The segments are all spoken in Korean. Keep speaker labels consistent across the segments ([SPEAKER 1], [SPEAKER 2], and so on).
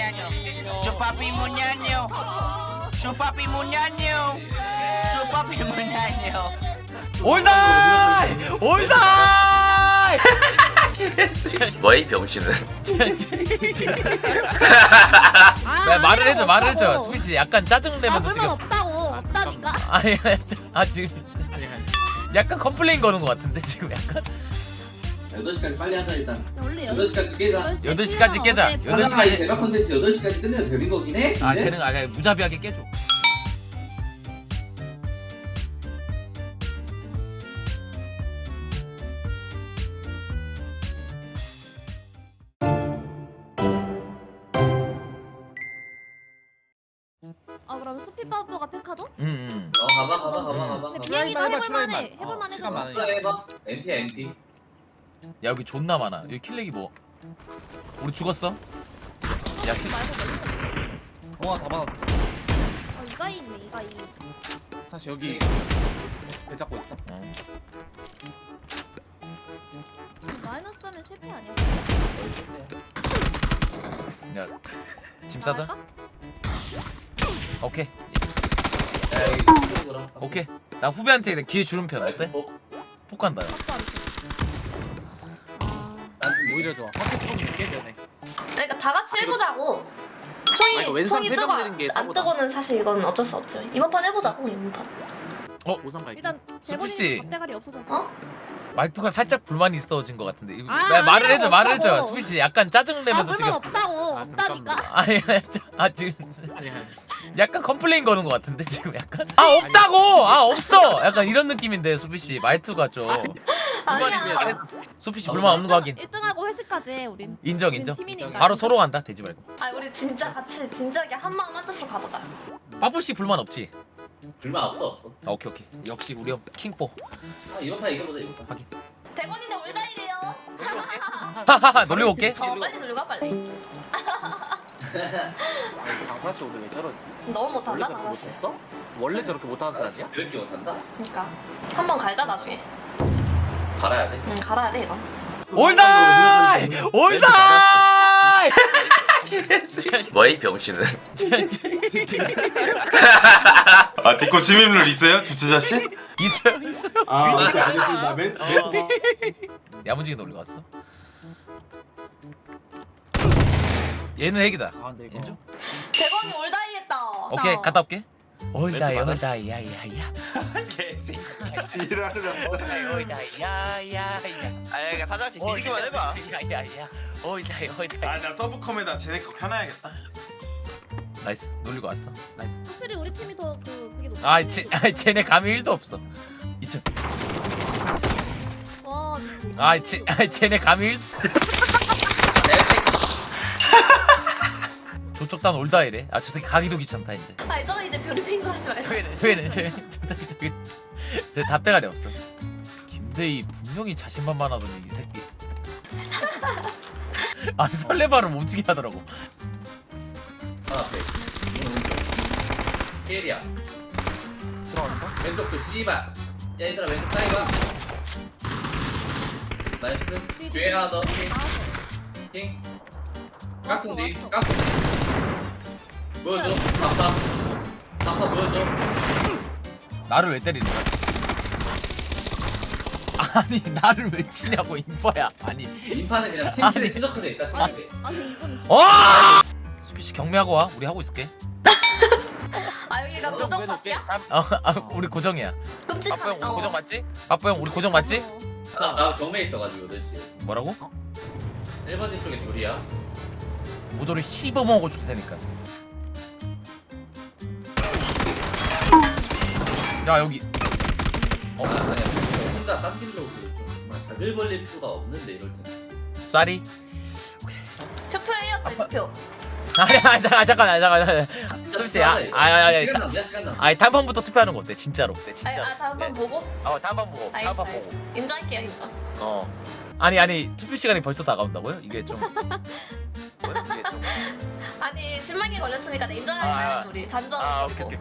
[SPEAKER 1] muñaño. Chupapi muñaño. Chupapi muñaño. Chupapi muñaño.
[SPEAKER 2] 올다이! 올다이!
[SPEAKER 3] 뭐이 병신은?
[SPEAKER 2] 야, 말을 해줘, 말을 해줘. 수비씨 약간 짜증내면서 지금.
[SPEAKER 4] 없다고 없다니까.
[SPEAKER 2] 아니, 지금 약간 컴플레인 거는 것 같은데 지금 약간.
[SPEAKER 5] 8시까지 빨리 하자 일단.
[SPEAKER 4] 원래
[SPEAKER 5] 8시까지 깨자.
[SPEAKER 2] 8시까지 깨자. 8시까지.
[SPEAKER 5] 하다가 이 대박 컨텐츠 8시까지 끝내면 되는 거긴 해.
[SPEAKER 2] 아,
[SPEAKER 5] 근데?
[SPEAKER 2] 되는 거 아니야. 무자비하게 깨줘.
[SPEAKER 4] 아 그럼 수피바보가 페카도?
[SPEAKER 5] 가봐.
[SPEAKER 4] 근데 비행기도
[SPEAKER 6] 해봐,
[SPEAKER 4] 해볼만해.
[SPEAKER 6] 출발해봐.
[SPEAKER 4] 해볼만해.
[SPEAKER 6] 시간 많으니까.
[SPEAKER 5] 그래 해봐. NT야 NT.
[SPEAKER 2] 야, 여기 존나 많아. 여기 킬렉이 뭐? 우리 죽었어? 야, 킬.
[SPEAKER 6] 어 잡아놨어.
[SPEAKER 4] 이가 있네 이가 이.
[SPEAKER 6] 사실 여기 배 잡고 있다.
[SPEAKER 4] 마이너스 하면 실패 아니야?
[SPEAKER 2] 야, 짐 싸자.
[SPEAKER 4] 나갈까?
[SPEAKER 2] 오케이.
[SPEAKER 5] 야 여기 쪽으로.
[SPEAKER 2] 오케이. 나 후배한테 기회 주는 편 어때? 폭 간다. 야.
[SPEAKER 4] 빡도 안 돼. 아.
[SPEAKER 6] 오히려 좋아. 학교 찍어서 깨져네.
[SPEAKER 7] 그러니까 다 같이 해보자고.
[SPEAKER 6] 아, 이거
[SPEAKER 7] 총이
[SPEAKER 6] 왼손
[SPEAKER 7] 총이
[SPEAKER 6] 세금
[SPEAKER 7] 뜨거
[SPEAKER 6] 내리는 게
[SPEAKER 7] 안
[SPEAKER 6] 사고다.
[SPEAKER 7] 뜨고는 사실 이건 어쩔 수 없죠. 이번 판 해보자고 이번 판.
[SPEAKER 6] 오상 갈게.
[SPEAKER 4] 일단
[SPEAKER 2] 수피 씨.
[SPEAKER 4] 대본이 대가리 없어져서.
[SPEAKER 7] 어?
[SPEAKER 2] 말투가 살짝 불만이 있어진 것 같은데. 이거-
[SPEAKER 4] 아,
[SPEAKER 2] 야, 말을 해줘,
[SPEAKER 4] 아니라고,
[SPEAKER 2] 말을 해줘.
[SPEAKER 4] 없다고.
[SPEAKER 2] 수비 씨 약간 짜증내면서
[SPEAKER 4] 아
[SPEAKER 2] 지금.
[SPEAKER 4] 불만 없다고
[SPEAKER 6] 아,
[SPEAKER 4] 없다니까.
[SPEAKER 2] 아니, 지금
[SPEAKER 6] 아니 아니.
[SPEAKER 2] 약간 컴플레인 거는 것 같은데 지금 약간. 아, 없다고. 아, 없어. 약간 이런 느낌인데 수비 씨 말투가 좀.
[SPEAKER 7] 아니야.
[SPEAKER 2] 수피 씨 불만 없는 거 확인.
[SPEAKER 4] 1등하고 회식까지 해 우린.
[SPEAKER 2] 인정,
[SPEAKER 4] 우린
[SPEAKER 2] 인정.
[SPEAKER 4] 팀이니까.
[SPEAKER 2] 바로 서로 간다. 되지 말고.
[SPEAKER 7] 아 우리 진짜 같이 진작에 한 마음 한 뜻으로 가보자.
[SPEAKER 2] 빠뽀 씨 불만 없지?
[SPEAKER 5] 불만 없어.
[SPEAKER 2] 아, 오케이, 오케이. 역시 우리 형 킹뽀.
[SPEAKER 5] 아 이번 판 이거보다 이번 판.
[SPEAKER 2] 확인.
[SPEAKER 7] 대건이네 올다이래요.
[SPEAKER 2] 하하하, 놀리고 올게.
[SPEAKER 7] 빨리 놀고 가 빨리.
[SPEAKER 6] 장사씨 오늘 왜 저러지?
[SPEAKER 7] 너무
[SPEAKER 6] 원래
[SPEAKER 7] 못한다
[SPEAKER 6] 저렇게
[SPEAKER 7] 강아지.
[SPEAKER 6] 못했어? 원래 저렇게 못하는 사람이야?
[SPEAKER 5] 그렇게 못한다?
[SPEAKER 7] 그러니까 한 번 갈자 나중에.
[SPEAKER 5] 갈아야 돼.
[SPEAKER 7] 응 갈아야 돼 이건.
[SPEAKER 2] 올다이! 올다이!
[SPEAKER 3] 뭐이 병신은?
[SPEAKER 8] 아 디코 침입룰 있어요? 주차자 씨?
[SPEAKER 2] 있어요, 있어요.
[SPEAKER 8] 아 오케이 알겠습니다. 맨
[SPEAKER 2] 야무지게 놀리고 왔어. 얘는 핵이다.
[SPEAKER 6] 아 근데 이거.
[SPEAKER 2] 인정?
[SPEAKER 7] 대건이 올다이 했다.
[SPEAKER 2] 오케이, 갔다 올게. 올다이,
[SPEAKER 8] 받았어.
[SPEAKER 2] 올다이, 야야야.
[SPEAKER 8] 개새끼. 지랄을
[SPEAKER 2] 올다이, 올다이, 야야야.
[SPEAKER 3] 아, 사장씨 뒤지기만 해봐.
[SPEAKER 2] 야야야. 올다이, 올다이.
[SPEAKER 8] 아나 서브컴에다 쟤네 거 켜놔야겠다.
[SPEAKER 2] 나이스, 놀리고 왔어. 나이스.
[SPEAKER 4] 확실히 우리 팀이 더 그게 높아.
[SPEAKER 2] 쟤네 감이 1도 없어. 2층.
[SPEAKER 4] 와 미친.
[SPEAKER 2] 쟤네 감이 1. 저쪽 단 올다이래. 아, 저 새끼 가기도 귀찮다 이제.
[SPEAKER 7] 아 저는 이제 뷰리핑도 하지 말자.
[SPEAKER 2] 왜는 저 답대가리 없어. 김대희 분명히 자신만만하더니 이 새끼. 아, 설레발을 멈추게 하더라고.
[SPEAKER 5] 하나 앞에. 케일이야.
[SPEAKER 6] 들어왔어?
[SPEAKER 5] 왼쪽도 씨발. 야 얘들아 왼쪽 사이가. 나이스. 뒤에 하나 더. 킹. 가스 뒤. 가스 뒤. 보여줘. 다파 보여줘.
[SPEAKER 2] 나를 왜 때리는 거야? 아니, 나를 왜 치냐고 인파야. 아니.
[SPEAKER 5] 인파는 그냥
[SPEAKER 2] 아니.
[SPEAKER 5] 팀킬에 최적화돼 있다. 팀킬에.
[SPEAKER 4] 아니 이건
[SPEAKER 2] 와! 수비 씨 경매하고 와. 우리 하고 있을게.
[SPEAKER 7] 아 여기가 고정 파티야?
[SPEAKER 2] 우리 고정이야.
[SPEAKER 7] 끔찍하네.
[SPEAKER 2] 맞지? 빠뽀 형 우리 고정 맞지?
[SPEAKER 5] 나 경매 있어가지고 8시.
[SPEAKER 2] 뭐라고?
[SPEAKER 5] 1번 집 쪽에 둘이야.
[SPEAKER 2] 무도를 씹어 먹어 줄 테니까. 야, 여기.
[SPEAKER 5] 아니야. 혼자 딴 팀으로 정말 다글 벌릴 필요가 없는데 이럴 때.
[SPEAKER 2] 쌀이.
[SPEAKER 7] 투표해요 저희 투표.
[SPEAKER 2] 아니, 잠깐. 수비 씨,
[SPEAKER 5] 시간 남냐 시간 남.
[SPEAKER 2] 아니, 단판부터 투표하는 거 어때? 진짜로.
[SPEAKER 7] 다음 판 보고.
[SPEAKER 2] 단판 보고.
[SPEAKER 7] 알겠어 알겠어. 인정할게요 인정.
[SPEAKER 2] 아니, 투표 시간이 벌써 다가온다고요? 이게 좀. 뭐야, 이게 좀.
[SPEAKER 7] 아니 10만개 걸렸으니까 인정하자 우리 잔정.
[SPEAKER 2] 오케이.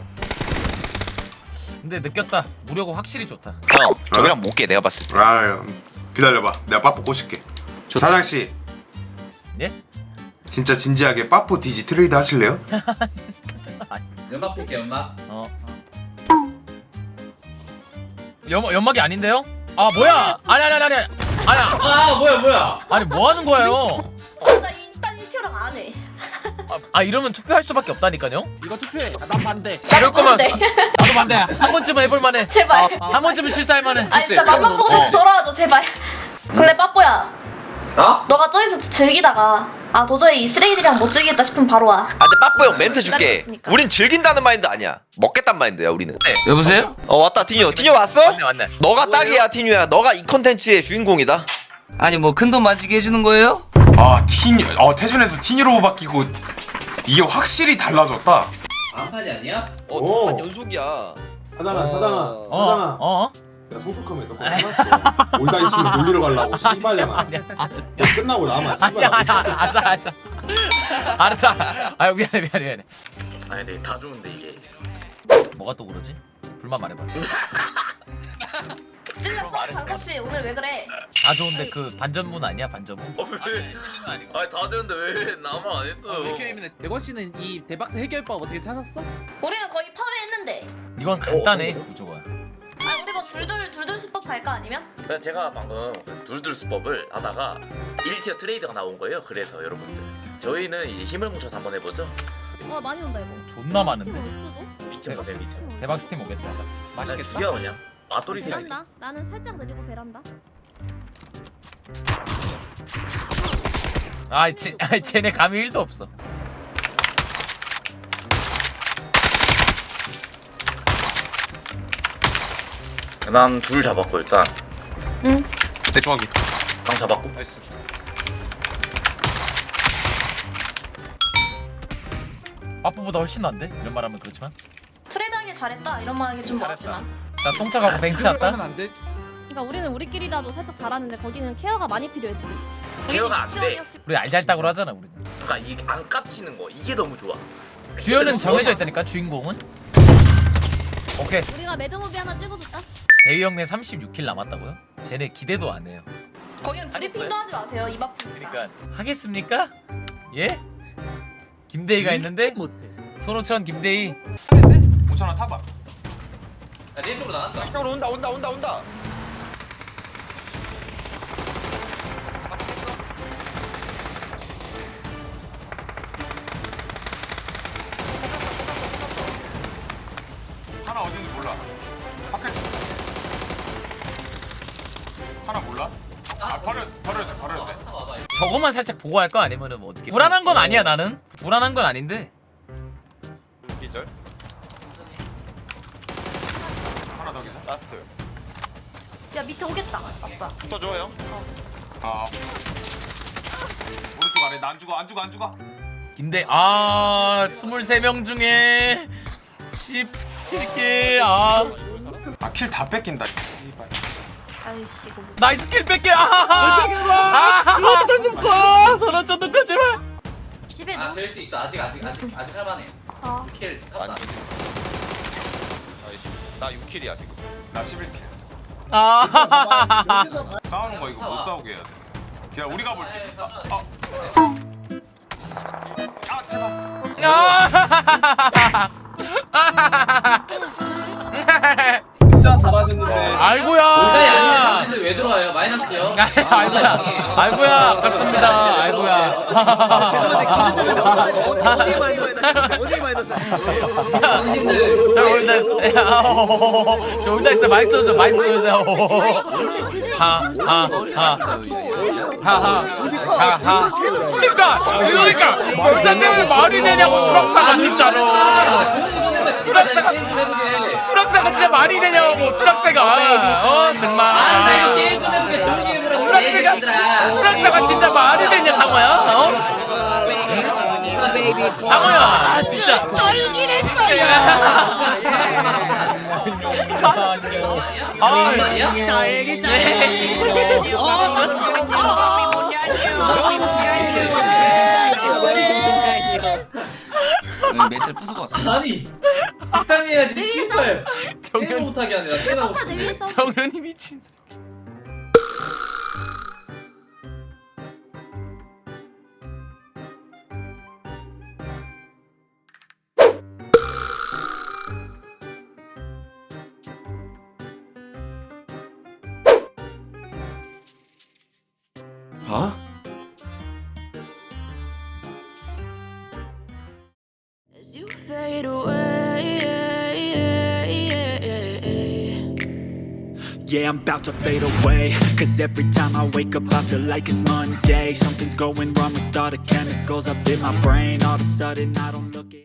[SPEAKER 2] 근데 느꼈다. 무료고 확실히 좋다.
[SPEAKER 3] 형, 저기랑 못 깨. 내가 봤을 때.
[SPEAKER 8] 아 기다려봐. 내가 빠뽀 꼬실게. 저 사장 씨.
[SPEAKER 2] 예?
[SPEAKER 8] 진짜 진지하게 빠뽀 디지 트레이드 하실래요?
[SPEAKER 5] 연막 필게 연막.
[SPEAKER 2] 연막이 아닌데요? 아 뭐야? 아니야.
[SPEAKER 5] 아 뭐야.
[SPEAKER 2] 아니 뭐 하는 거예요?
[SPEAKER 7] 나 일단 1티어랑 안 해.
[SPEAKER 2] 아 이러면 투표할 수밖에 없다니까요?
[SPEAKER 6] 이거 투표해. 아, 난 반대.
[SPEAKER 2] 이럴 거면
[SPEAKER 7] 네.
[SPEAKER 2] 나도 반대. 한 번쯤은 해볼 만해.
[SPEAKER 7] 제발.
[SPEAKER 2] 한 번쯤은 실수할 만해.
[SPEAKER 7] 아니 진짜 맘만 보고 다시 돌아와줘 제발. 근데 빠뽀야.
[SPEAKER 5] 어?
[SPEAKER 7] 너가 저기서 즐기다가 아 도저히 이 쓰레기들이랑 못 즐기겠다 싶으면 바로 와.
[SPEAKER 3] 아 근데 빠뽀 형 멘트 줄게.
[SPEAKER 7] 기다렸으니까.
[SPEAKER 3] 우린 즐긴다는 마인드 아니야. 먹겠단 마인드야 우리는.
[SPEAKER 2] 여보세요?
[SPEAKER 3] 왔다 티뉴. 티뉴 왔어?
[SPEAKER 2] 맞네.
[SPEAKER 3] 너가 딱이야 티뉴야. 너가 이 컨텐츠의 주인공이다.
[SPEAKER 9] 아니 뭐 큰돈 만지게 해주는 거예요?
[SPEAKER 8] 아 티뉴 태준에서 티뉴로 바뀌고 이게 확실히 달라졌다.
[SPEAKER 5] 안판이 아니야?
[SPEAKER 3] 두 판 연속이야.
[SPEAKER 10] 사장아 사장아
[SPEAKER 2] 어?
[SPEAKER 10] 내가 소속하면 너 그거 해놨어. 올다이 치면 놀리러 가려고 씨발잖아. 너 끝나고 나만 씨발.
[SPEAKER 2] 알았어. 아유 미안해.
[SPEAKER 3] 아니 근데 다 좋은데 이게.
[SPEAKER 2] 뭐가 또 그러지? 불만 말해봐.
[SPEAKER 7] 찔렸어? 강서씨 오늘 왜 그래?
[SPEAKER 2] 다 좋은데 그 반전문 아니야 반전문?
[SPEAKER 3] 아니 다 좋은데 왜 나만 안 했어?
[SPEAKER 6] 대건 씨는 이 대박스 해결법 어떻게 찾았어?
[SPEAKER 7] 우리는 거의 파괴했는데.
[SPEAKER 2] 이건 간단해 구조가.
[SPEAKER 7] 아 우리 뭐 둘둘 수법 갈까 아니면?
[SPEAKER 3] 그래서 제가 방금 둘둘 수법을 하다가 1티어 트레이드가 나온 거예요. 그래서 여러분들 저희는 이제 힘을 뭉쳐서 한번 해보죠.
[SPEAKER 4] 와 많이 온다 이거.
[SPEAKER 2] 존나 많은데.
[SPEAKER 3] 미쳐서 데미지.
[SPEAKER 2] 대박 스팀 오겠다.
[SPEAKER 6] 맛있겠다.
[SPEAKER 3] 죽여 그냥. 맛돌이 생각.
[SPEAKER 4] 베란다. 나는 살짝 느리고 베란다.
[SPEAKER 2] 쟤네 감이 1도 없어.
[SPEAKER 3] 난 둘 잡았고 일단.
[SPEAKER 7] 응.
[SPEAKER 6] 대충 하기.
[SPEAKER 3] 강 잡았고.
[SPEAKER 6] 나이스.
[SPEAKER 2] 빠뽀보다 훨씬 난데? 이런 말하면 그렇지만.
[SPEAKER 7] 트레이드하기 잘했다 이런 말 하기 좀 뭐하지만.
[SPEAKER 2] 나 똥차 가고 벤치
[SPEAKER 6] 하면
[SPEAKER 2] 할까?
[SPEAKER 6] 안 돼.
[SPEAKER 4] 그러니까 우리는 우리끼리라도 살짝 잘하는데 거기는 케어가 많이 필요했지.
[SPEAKER 3] 케어가 안 돼.
[SPEAKER 2] 우리 알잘딱으로 하잖아 우리는.
[SPEAKER 3] 그러니까 이안 깝치는 거 이게 너무 좋아.
[SPEAKER 2] 주연은 정해져 있다니까 주인공은. 오케이.
[SPEAKER 4] 우리가 매드무비 하나 찍어줄까?
[SPEAKER 2] 대위 형네 36킬 남았다고요? 쟤네 기대도 안 해요.
[SPEAKER 7] 거기는 브리핑도 하지 마세요 입 아프니까.
[SPEAKER 2] 그러니까 하겠습니까? 예? 김대희가 있는데
[SPEAKER 6] 못해.
[SPEAKER 2] 손호천 김대희.
[SPEAKER 8] 5,000원 타봐.
[SPEAKER 5] 야, 내 쪽으로 나갔다.
[SPEAKER 3] 이쪽으로 온다.
[SPEAKER 8] 하나 어딘지 몰라. 밖에 하나 몰라? 버려야 돼.
[SPEAKER 2] 저거만 살짝 보고 할 거 아니면은 뭐 어떻게? 불안한 건 아니야 나는. 불안한 건 아닌데.
[SPEAKER 3] 기절.
[SPEAKER 8] 하나 더 계산.
[SPEAKER 3] 라스트.
[SPEAKER 7] 야 밑에 오겠다 아빠.
[SPEAKER 3] 붙어줘 형.
[SPEAKER 8] 오른쪽 아래 나 안 죽어.
[SPEAKER 2] 김대 23명 중에 17킬
[SPEAKER 8] 킬 다 뺏긴다. 씨발.
[SPEAKER 7] 아이씨 이거 뭐.
[SPEAKER 2] 나이스 킬 뺄게 손호천 눈꺼 제발.
[SPEAKER 7] 집에
[SPEAKER 5] 아
[SPEAKER 7] 누.
[SPEAKER 5] 될 수 있어. 아직 할만해.
[SPEAKER 7] 아.
[SPEAKER 5] 킬 탔다.
[SPEAKER 3] 나 6킬이야 지금.
[SPEAKER 8] 나 11킬.
[SPEAKER 10] 여기서
[SPEAKER 8] 싸우는 거 이거 못 싸우게 해야 돼. 그냥 우리가 볼게. 제발.
[SPEAKER 6] 진짜 잘하셨는데.
[SPEAKER 2] 아이고야.
[SPEAKER 5] 올다이 아니면 당신들 왜 들어와요? 마이너스요.
[SPEAKER 2] 아이고야 아깝습니다. 아이고야.
[SPEAKER 5] 당신들
[SPEAKER 2] 저 올다 저 올다 있어 많이 써줘 하하하하 그러니까 벌써 때문에 말이 되냐고 추락사가 진짜로 추락사가 진짜 말이 되냐고 추락사가 정말
[SPEAKER 5] 게임 끝내는 조용히 해보라.
[SPEAKER 2] 추락사가 진짜 말이 되냐 상어야 상어야 진짜 쫄기를
[SPEAKER 9] 멘트를 부수고 왔어.
[SPEAKER 5] 아니 직당해야지. 씨발. 게임
[SPEAKER 2] 정현
[SPEAKER 5] 못하게 하네. 나 게임하고
[SPEAKER 4] 아빠 내
[SPEAKER 5] 싶은데.
[SPEAKER 4] 위에서.
[SPEAKER 2] 정현이 미친 새끼.
[SPEAKER 11] Huh?
[SPEAKER 12] As you fade away,
[SPEAKER 11] Yeah, I'm about to fade away. Cause every time I wake up I feel like it's Monday. Something's going wrong with all the chemicals up in my brain. All of a sudden I don't look at